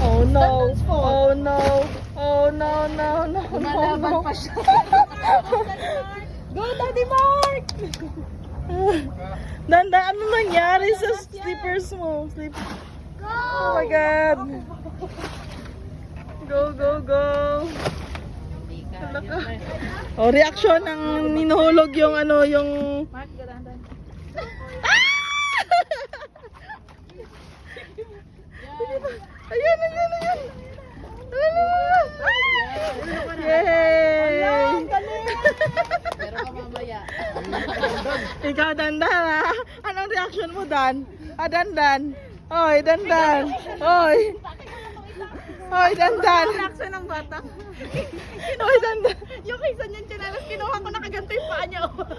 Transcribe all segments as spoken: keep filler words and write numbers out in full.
Oh no. Oh no. Oh no, no, no, no, Lumalaban no. pa siya. Go, Daddy Mark! Danda, ano nangyari sa slippers mo? Slip. Oh my God. Go, go, go. Oh, reaction ng ninuhulog yung ano, yung... Mark, garandan. Ayan, ayan, ayan. Yay! Pero ka mamaya. Ikaw, Dandan, ha? Anong reaction mo, Dan? Ah, Dandan. Oy, Dandan. Oy. Oy, Dandan. Reaction ng bata. Oy, Dandan. Yung kaysa niyan chinalas, kinuha ko nakaganto yung paa niya.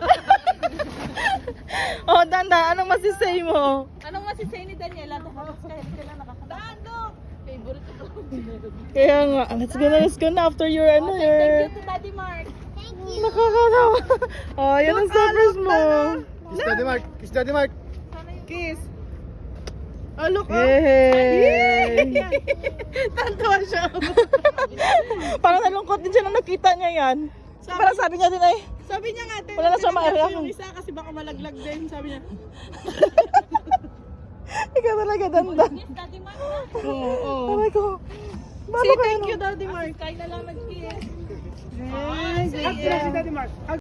Oh, Dandan, anong masisay mo? Anong masisay ni Daniela? Tapos kaya sila nakakatahan. Dando! Favorite ko. Kaya nga, let's go na, let's go na after your, ano, Okay, your... thank you to Daddy Mark. Nakakatawa. Oh, yan ang surprise mo. Kiss Daddy Mark! Kiss Daddy Mark! Kiss. Oh, look. Yay! Tantawa siya. Parang nalungkot din siya nung nakita niya yan. Sabi- Parang sabi niya din ay, Sabi niya nga, Wala na siya ma-react. yung isa kasi baka malaglag din. Sabi niya. ikaw talaga, Dandan. Kiss Daddy Mark. Oo, oo. Aray ko. Say thank you, Daddy Mark. Kaya na lang nag-kiss. Hug si Daddy Mark! Hug